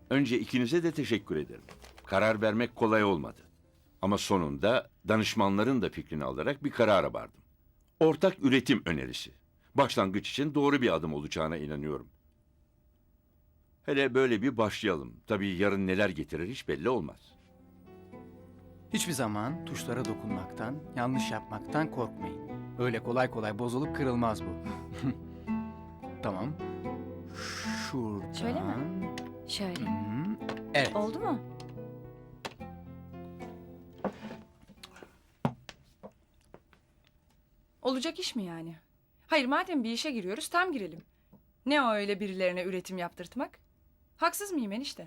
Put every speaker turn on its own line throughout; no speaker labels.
Önce ikinize de teşekkür ederim. Karar vermek kolay olmadı. Ama sonunda danışmanların da fikrini alarak bir karara vardım. Ortak üretim önerisi. Başlangıç için doğru bir adım olacağına inanıyorum. Hele böyle bir başlayalım. Tabii yarın neler getirir hiç belli olmaz.
Hiçbir zaman tuşlara dokunmaktan, yanlış yapmaktan korkmayın. Öyle kolay kolay bozulup kırılmaz bu. Tamam. Şuradan.
Şöyle mi? Şöyle.
Evet.
Oldu mu?
Olacak iş mi yani? Hayır, madem bir işe giriyoruz tam girelim. Ne o öyle birilerine üretim yaptırtmak? Haksız mıyım enişte?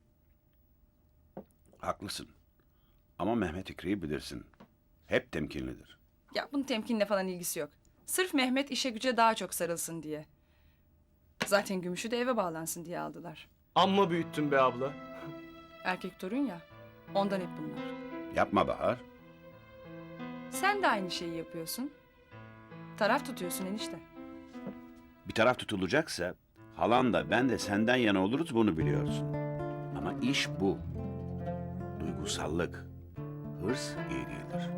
Haklısın. Ama Mehmet İkri'yi bilirsin. Hep temkinlidir.
Ya bunun temkinle falan ilgisi yok. Sırf Mehmet işe güce daha çok sarılsın diye. Zaten Gümüş'ü de eve bağlansın diye aldılar.
Amma büyüttün be abla.
Erkek torun ya. Ondan hep bunlar.
Yapma Bahar.
Sen de aynı şeyi yapıyorsun. Taraf tutuyorsun enişte.
Bir taraf tutulacaksa halan da ben de senden yana oluruz, bunu biliyorsun. Ama iş bu. Duygusallık, hırs iyi değildir.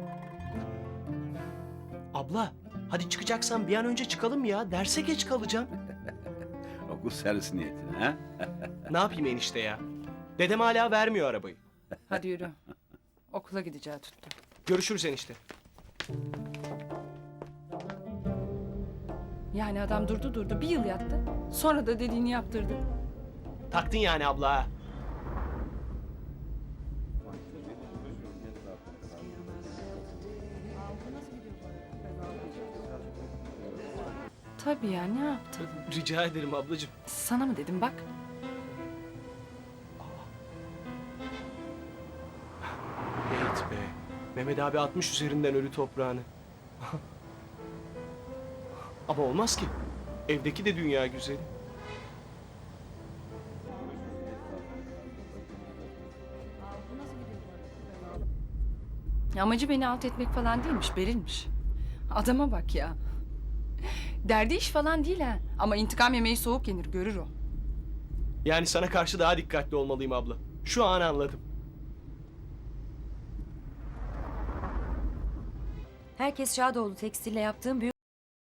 Abla hadi çıkacaksan bir an önce çıkalım ya. Derse geç kalacağım.
Okul servis niyetine ha?
Ne yapayım enişte ya? Dedem hala vermiyor arabayı.
Hadi yürü. Okula gideceği tuttu.
Görüşürüz enişte.
Yani adam durdu bir yıl yattı. Sonra da dediğini yaptırdı.
Taktın yani abla ha.
Tabii ya, ne yaptın?
Rica ederim ablacığım.
Sana mı dedim bak.
Evet be. Mehmet abi atmış üzerinden ölü toprağını. Ama olmaz ki. Evdeki de dünya güzeli.
Amacı beni alt etmek falan değilmiş, Beril'miş. Adama bak ya. Derdi iş falan değil ha. Ama intikam yemeği soğuk yenir, görür o.
Yani sana karşı daha dikkatli olmalıyım abla. Şu an anladım.
Herkes Şadoğlu Tekstil'le yaptığım büyük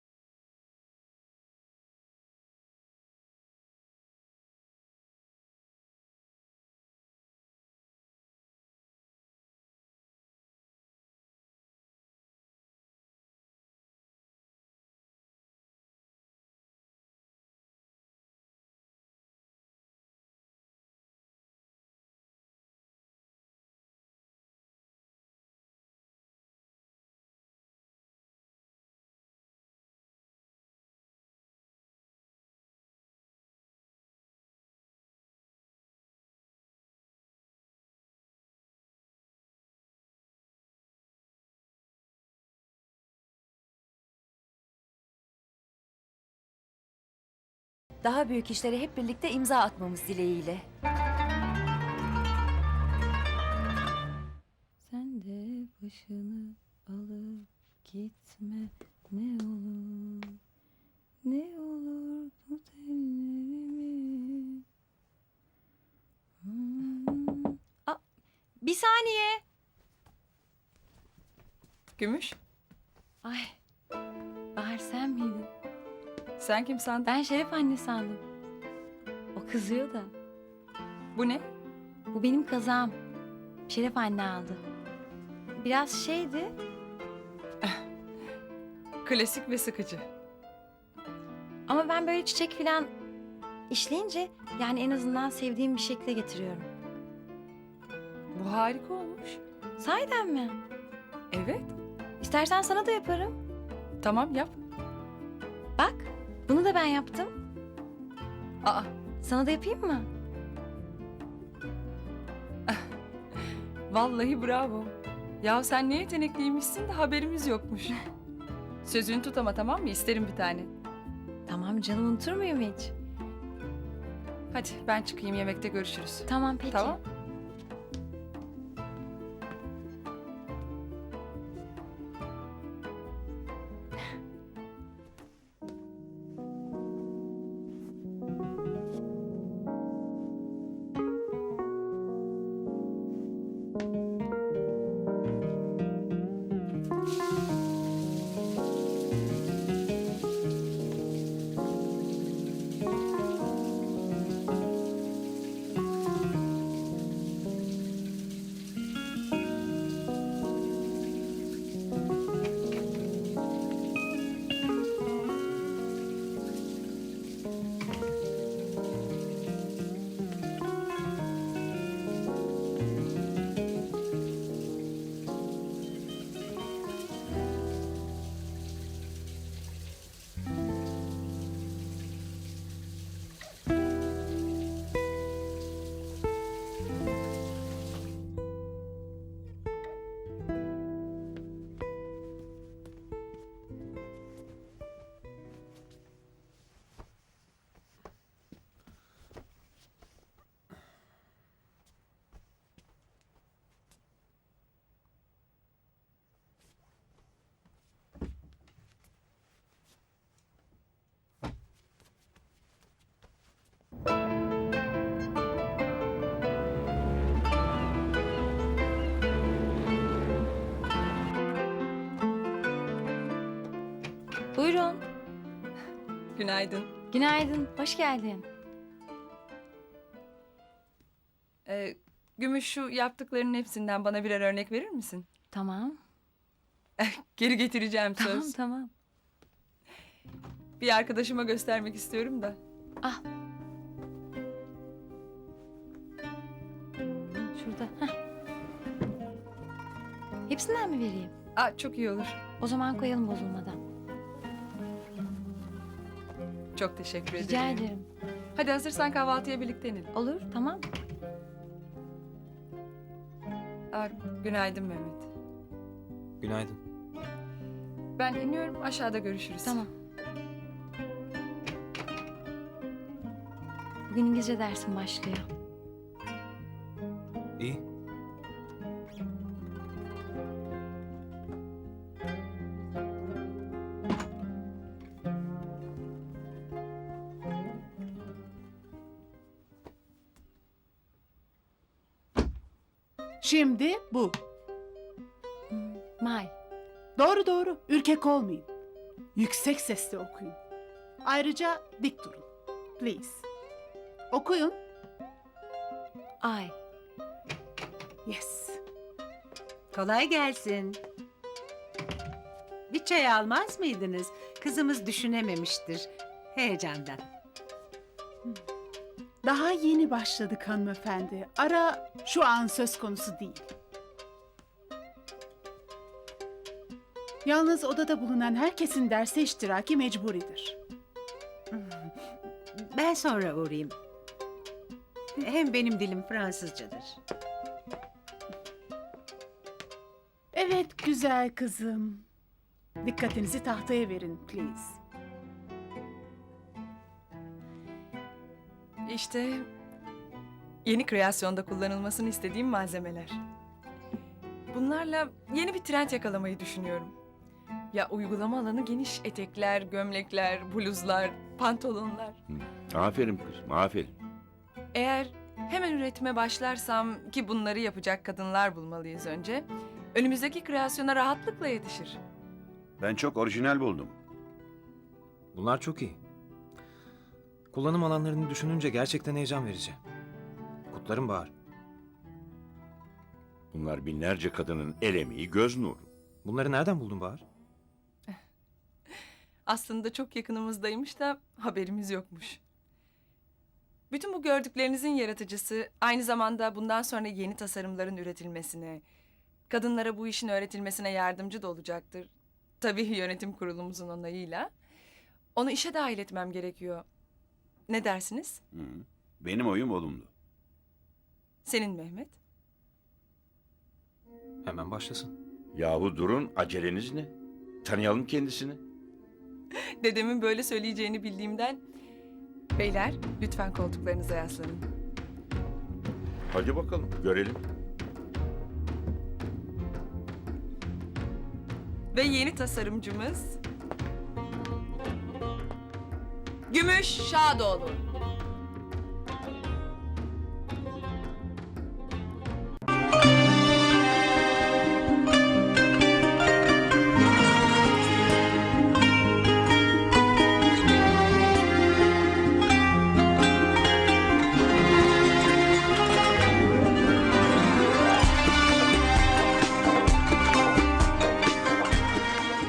daha büyük işlere hep birlikte imza atmamız dileğiyle. Sen de başını alıp gitme, ne olur, ne olur tut ellerimi. Aa, bir saniye.
Gümüş,
Ay, Bahar sen miydin?
sen kim sandın?
Ben Şeref anne sandım. O kızıyor da.
Bu ne?
Bu benim kazağım. Şeref anne aldı. Biraz şeydi.
Klasik ve sıkıcı.
Ama ben böyle çiçek falan işleyince yani en azından sevdiğim bir şekilde getiriyorum.
Bu harika olmuş.
Sahiden mi?
Evet,
İstersen sana da yaparım.
tamam yap.
Bak, bunu da ben yaptım.
Aa,
Sana da yapayım mı?
vallahi bravo. Ya sen ne yetenekliymişsin de haberimiz yokmuş. Sözünü tut ama, tamam mı? İsterim bir tane.
Tamam canım, unutur muyum hiç?
Hadi ben çıkayım, yemekte görüşürüz.
Tamam peki.
Tamam.
Buyurun.
Günaydın.
Günaydın. Hoş geldin.
Gümüş, şu yaptıklarının hepsinden bana birer örnek verir misin?
Tamam.
Geri getireceğim söz.
Tamam tamam.
Bir arkadaşıma göstermek istiyorum da.
Şurada. Heh. Hepsinden mi vereyim?
Aa, çok iyi olur.
O zaman koyalım bozulmadan.
Çok teşekkür ederim.
Rica ederim.
Hadi hazırsan kahvaltıya birlikte inelim.
Olur tamam.
Aa, günaydın Mehmet.
Günaydın.
Ben iniyorum, aşağıda görüşürüz.
Tamam. Bugün İngilizce dersim başlıyor.
İyi.
Şimdi bu.
May.
Doğru doğru. Ürkek olmayın. Yüksek sesle okuyun. Ayrıca dik durun. Please. Okuyun.
Ay.
Yes.
Kolay gelsin. Bir çay almaz mıydınız? Kızımız düşünememiştir heyecandan.
Daha yeni başladık hanımefendi. Ara şu an söz konusu değil. Yalnız odada bulunan herkesin derse iştiraki mecburidir.
Ben sonra uğrayayım. Hem benim dilim Fransızcadır.
Evet güzel kızım. Dikkatinizi tahtaya verin please.
İşte yeni kreasyonda kullanılmasını istediğim malzemeler. Bunlarla yeni bir trend yakalamayı düşünüyorum. Ya uygulama alanı geniş etekler, gömlekler, bluzlar, pantolonlar.
Aferin kızım, aferin.
Eğer hemen üretime başlarsam, ki bunları yapacak kadınlar bulmalıyız önce, önümüzdeki kreasyona rahatlıkla yetişir.
Ben çok orijinal buldum.
Bunlar çok iyi. Kullanım alanlarını düşününce gerçekten heyecan verici. Kutlarım Bahar.
Bunlar binlerce kadının el emeği, göz nuru.
Bunları nereden buldun Bahar?
Aslında çok yakınımızdaymış da haberimiz yokmuş. Bütün bu gördüklerinizin yaratıcısı aynı zamanda bundan sonra yeni tasarımların üretilmesine, kadınlara bu işin öğretilmesine yardımcı da olacaktır. Tabii yönetim kurulumuzun onayıyla. Onu işe dahil etmem gerekiyor. Ne dersiniz?
Hı. Benim oyum olumlu.
Senin Mehmet?
Hemen başlasın.
Yahu durun, aceleniz ne? Tanıyalım kendisini.
Dedemin böyle söyleyeceğini bildiğimden... Beyler, lütfen koltuklarınıza yaslanın.
Hadi bakalım, görelim.
Ve yeni tasarımcımız... Gümüş Şadoğlu.